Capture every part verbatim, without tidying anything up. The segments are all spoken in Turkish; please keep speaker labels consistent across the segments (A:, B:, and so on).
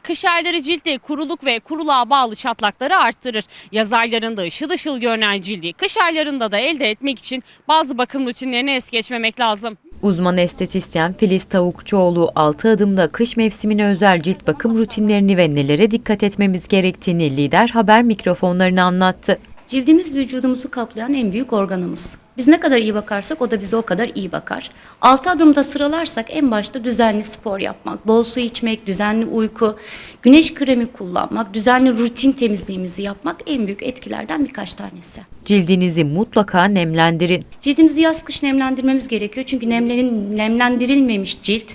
A: Kış ayları ciltte kuruluk ve kuruluğa bağlı çatlakları arttırır. Yaz aylarında ışıl ışıl görünen cildi kış aylarında da elde etmek için bazı bakım rutinlerini es geçmemek lazım.
B: Uzman estetisyen Filiz Tavukçuoğlu altı adımda kış mevsimine özel cilt bakım rutinlerini ve nelere dikkat etmemiz gerektiğini Lider Haber mikrofonlarına anlattı.
C: Cildimiz vücudumuzu kaplayan en büyük organımız. Biz ne kadar iyi bakarsak o da bize o kadar iyi bakar. Altı adımda sıralarsak en başta düzenli spor yapmak, bol su içmek, düzenli uyku, güneş kremi kullanmak, düzenli rutin temizliğimizi yapmak en büyük etkilerden birkaç tanesi.
B: Cildinizi mutlaka nemlendirin.
C: Cildimizi yaz kış nemlendirmemiz gerekiyor çünkü nemlenin, nemlendirilmemiş cilt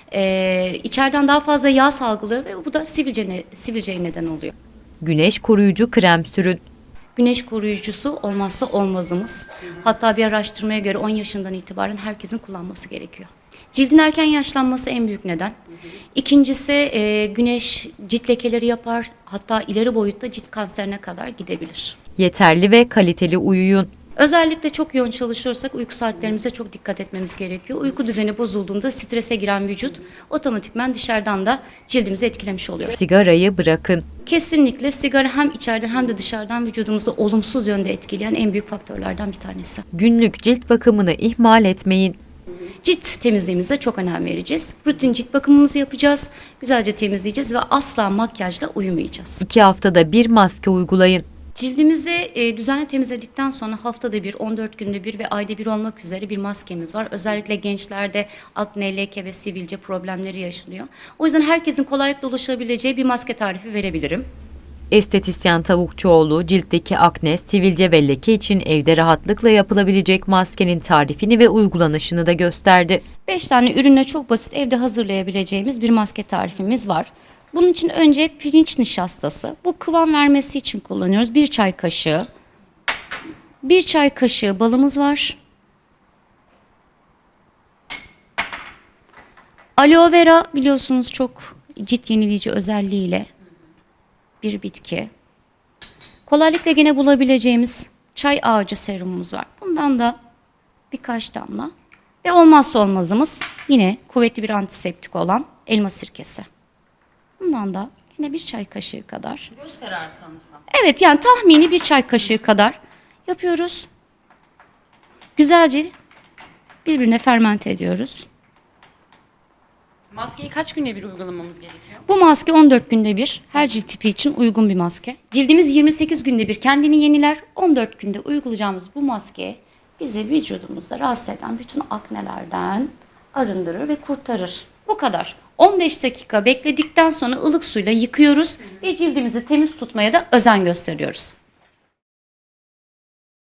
C: e, içeriden daha fazla yağ salgılıyor ve bu da sivilce, sivilceye neden oluyor.
B: Güneş koruyucu krem sürün.
C: Güneş koruyucusu olmazsa olmazımız. Hatta bir araştırmaya göre on yaşından itibaren herkesin kullanması gerekiyor. Cildin erken yaşlanması en büyük neden. İkincisi e, güneş cilt lekeleri yapar. Hatta ileri boyutta cilt kanserine kadar gidebilir.
B: Yeterli ve kaliteli uyuyun.
C: Özellikle çok yoğun çalışıyorsak uyku saatlerimize çok dikkat etmemiz gerekiyor. Uyku düzeni bozulduğunda strese giren vücut otomatikman dışarıdan da cildimizi etkilemiş oluyor.
B: Sigarayı bırakın.
C: Kesinlikle sigara hem içeriden hem de dışarıdan vücudumuzu olumsuz yönde etkileyen en büyük faktörlerden bir tanesi.
B: Günlük cilt bakımını ihmal etmeyin.
C: Cilt temizliğimize çok önem vereceğiz. Rutin cilt bakımımızı yapacağız. Güzelce temizleyeceğiz ve asla makyajla uyumayacağız.
B: İki haftada bir maske uygulayın.
C: Cildimizi e, düzenli temizledikten sonra haftada bir, on dört günde bir ve ayda bir olmak üzere bir maskemiz var. Özellikle gençlerde akne, leke ve sivilce problemleri yaşanıyor. O yüzden herkesin kolaylıkla ulaşabileceği bir maske tarifi verebilirim.
B: Estetisyen Tavukçuoğlu ciltteki akne, sivilce ve leke için evde rahatlıkla yapılabilecek maskenin tarifini ve uygulanışını da gösterdi.
C: beş tane ürünle çok basit evde hazırlayabileceğimiz bir maske tarifimiz var. Bunun için önce pirinç nişastası. Bu kıvam vermesi için kullanıyoruz. Bir çay kaşığı. Bir çay kaşığı balımız var. Aloe vera biliyorsunuz çok cilt yenileyici özelliğiyle bir bitki. Kolaylıkla yine bulabileceğimiz çay ağacı serumumuz var. Bundan da birkaç damla. Ve olmazsa olmazımız yine kuvvetli bir antiseptik olan elma sirkesi. Bundan da yine bir çay kaşığı kadar.
A: Göz kararı sanırsam.
C: Evet, yani tahmini bir çay kaşığı kadar yapıyoruz. Güzelce birbirine fermente ediyoruz.
A: Maskeyi kaç günde bir uygulamamız gerekiyor?
C: Bu maske on dört günde bir, her cilt tipi için uygun bir maske. Cildimiz yirmi sekiz günde bir kendini yeniler. on dört günde uygulayacağımız bu maske bizi vücudumuzda rahatsız eden bütün aknelerden arındırır ve kurtarır. Bu kadar. on beş dakika bekledikten sonra ılık suyla yıkıyoruz ve cildimizi temiz tutmaya da özen gösteriyoruz.